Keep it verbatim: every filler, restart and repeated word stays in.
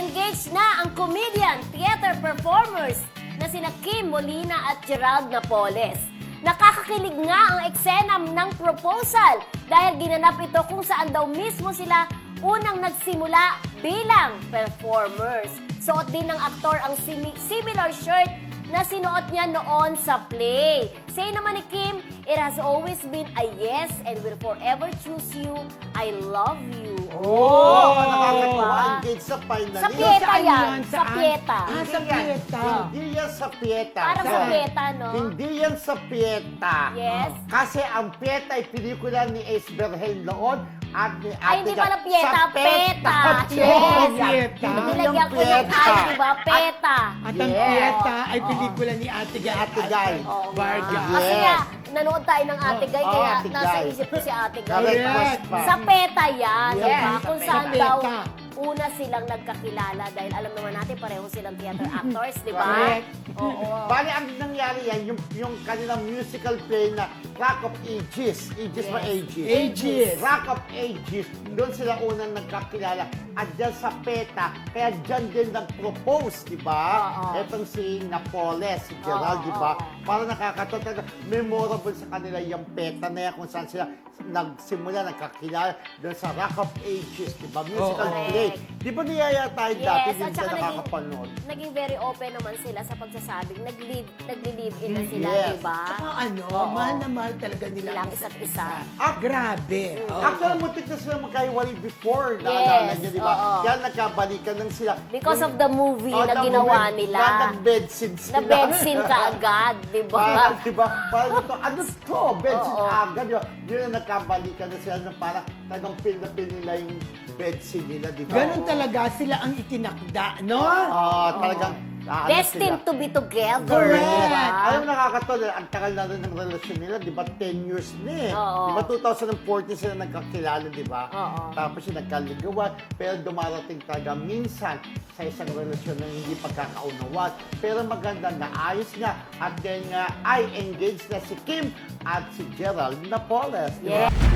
Engaged na ang comedian, theater performers na sina Kim Molina at Gerald Napoles. Nakakakilig nga ang eksena ng proposal dahil ginanap ito kung saan daw mismo sila unang nagsimula bilang performers. Suot din ng aktor ang simi- similar shirt na sinuot niya noon sa play. Say naman ni Kim, it has always been a yes and will forever choose you. I love you. Oh, nakakatawa. Diba? Engaged sa finalist. Sa Pieta Saan yan. yun? Sa Saan? Pieta. Ah, sa Pieta. Hindi yan sa Pieta. Para sa Sorry. Pieta, no? Hindi yan sa Pieta. Yes. Kasi ang Pieta ay pelikula ni Ace Berhel noon at ni Ate Ay, hindi Gat- pala Pieta, sa Peta. Yes. Yes. Pieta. Nilagyan ko ng Pieta. ay, di ba? Peta. At ang Yes. Pieta ay pelikula ni Ate Guy. Ate Guy. Oo nga. Vargas. Kasi Yes. nga, nanood tayo ng Ate Guy, Oh, kaya Ate nasa Guy. isip ko si Ate Guy. Correct. Correct. Pa. Sa Peta yan, Yes, di ba? sa Kung Peta. saan Sa daw Peta. una silang nagkakilala dahil alam naman natin pareho silang theater actors, di ba? Correct. Oo. Bali, ang nangyari yan, yung, yung kanilang musical play na Rock of Ages. Ages ba Yes. Ages? Ages. Rock of Ages. Doon sila unang nagkakilala. At dyan sa Peta, kaya dyan din nag-propose, di ba? Oo. Etong si Napoles, si Gerald, Oo, di ba? oo. Para nakakatawa, talaga memorable sa kanila yung Peta na yan kung saan sila nagsimula, nagkakilala doon sa Rock of Ages, di ba? Musical Oo. play. Di ba niyaya tayo dati Yes, din at siya saka naging, nakakapanood? naging very open naman sila sa pagsasabing nag-live, nagli-live in na sila, Yes. di ba? Saka ano, Oo. mahal na mahal talaga nila Silang ang isa't isa. Ah, grabe. Oo. Actually, muntik na sila magkahiwalay before. Naalala Yes, niyo, di ba? oo. Kaya nagkabalikan lang sila. Because Yung- of the movie Oh, na the ginawa movie, nila. Na nag-bed scene sila. Na bed scene ka agad, di ba? Parang, di ba? Parang ito, ano to? Bed scene Oo. agad. Di ba? Yun ang nagkabalikan na sila na parang talagang feel na feel nila yung bed scene nila, di ba? Ganun talaga sila ang itinakda, no? Oo, talagang ah, ano Destined sila. to be together, Correct. di ba? Alam mo, nakakatawa, ang tagal na rin ng relasyon nila, di ba? ten years na eh. Oo. Di ba, twenty fourteen sila nagkakilala, di ba? Oo. Tapos yung nagkaligawan, pero dumarating talaga minsan sa isang relasyon na hindi pagkakaunawan. Pero maganda na ayos nga at then nga ay engaged na si Kim at si Gerald Napoles. di ba? Yeah.